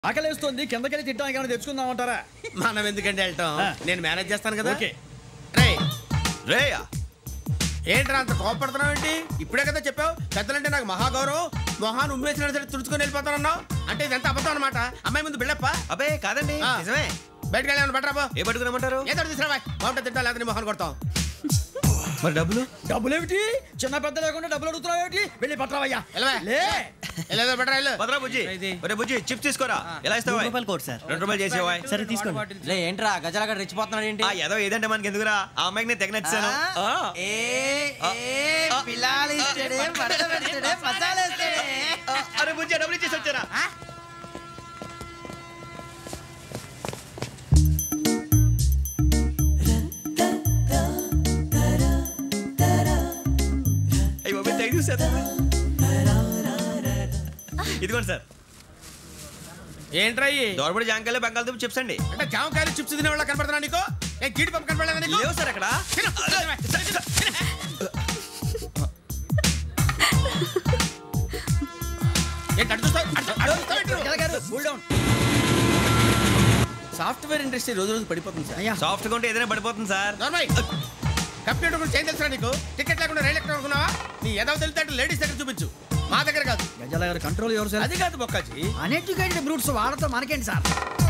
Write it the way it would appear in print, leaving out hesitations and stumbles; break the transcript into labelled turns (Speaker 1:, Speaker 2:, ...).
Speaker 1: ఆకలేస్తుంది కిందకెళ్ళి తిట్టడానికి ఏమైనా తెచ్చుకుందామంటారా?
Speaker 2: మనం ఎందుకంటే వెళ్తాం, నేను మేనేజ్ చేస్తాను కదా.
Speaker 1: ఓకే
Speaker 2: రేయ్ ఏంట్రా అంత కోపడుతున్నావు ఏంటి? ఇప్పుడే కదా చెప్పావు పెద్దలంటే నాకు మహాగౌరవం, మొహాన్ని ఉమ్మేసిన సరే తుడుచుకొని వెళ్ళిపోతానన్నావు. అంటే ఇదంతా అబద్ధం అనమాట. అమ్మాయి ముందు బిళ్ళప్ప.
Speaker 3: అబ్బే కాదండి, నిజమే.
Speaker 2: బయటకు వెళ్ళామని బట్రాబో.
Speaker 3: ఏ పట్టుకురమ్మంటారు?
Speaker 2: ఏదో తీసుకురావా, బాగుంటుంది తింటా లేదా మొహాన్ని కొడతాం.
Speaker 3: మరి డబ్బులు?
Speaker 1: డబ్బులు ఏమిటి? చిన్న పెద్ద లేకుండా డబ్బులు అడుగుతున్నావు ఏమిటి? వెళ్ళి పట్టరావయ్యా.
Speaker 2: వెళ్ళేదో బట్రా వెళ్ళు.
Speaker 3: పదరా బుజ్జి. ఒరే బుజ్జి చిప్స్ తీసుకోరా. ఎలా ఇస్తావా?
Speaker 4: Court sir.
Speaker 3: 2 రూపాయలు చేసేవా?
Speaker 4: సరే తీసుకోండి.
Speaker 5: లే ఏంట్రా గజాలగడ రెచ్చిపోతున్నాడు ఏంటి?
Speaker 3: ఏదో ఏదంటే మనకి ఎందుకురా, ఆ అమ్మాయికి నేను తెగ నచ్చాను. అరే బుజ్జి డబ్బులు ఇచ్చేసి వచ్చారా? ఇదిగోండి సార్.
Speaker 2: ఏంట్రా
Speaker 3: దోరబడి జాంకాయలు బంగాళదుంప చిప్స్ అండి.
Speaker 2: అంటే జామకాయలు చిప్స్ తినే వాళ్ళ కనపడుతున్నా నీకు? నేను జీడి పంపు కనపడలేదా నీకు?
Speaker 3: లేవు సార్ అక్కడ.
Speaker 2: సాఫ్ట్వేర్ ఇండస్ట్రీ రోజు రోజు పడిపోతుంది సార్.
Speaker 3: సాఫ్ట్ గా ఉంటే ఏదైనా పడిపోతుంది సార్.
Speaker 2: కంప్యూటర్ గురించి ఏం తెలుసా నీకు? టికెట్ లేకుండా రైలు ఎక్కడ అనుకున్నావా? నీ ఏదో తెలితే లేడీస్ దగ్గర చూపించు, మా దగ్గర కాదు.
Speaker 1: గజాల గారు కంట్రోల్ ఎవరు సార్?
Speaker 2: అది కాదు బొక్కాజీ,
Speaker 1: అన్ఎడ్యుకేటెడ్ బ్రూట్స్ వాళ్ళతో మనకేంటి సార్?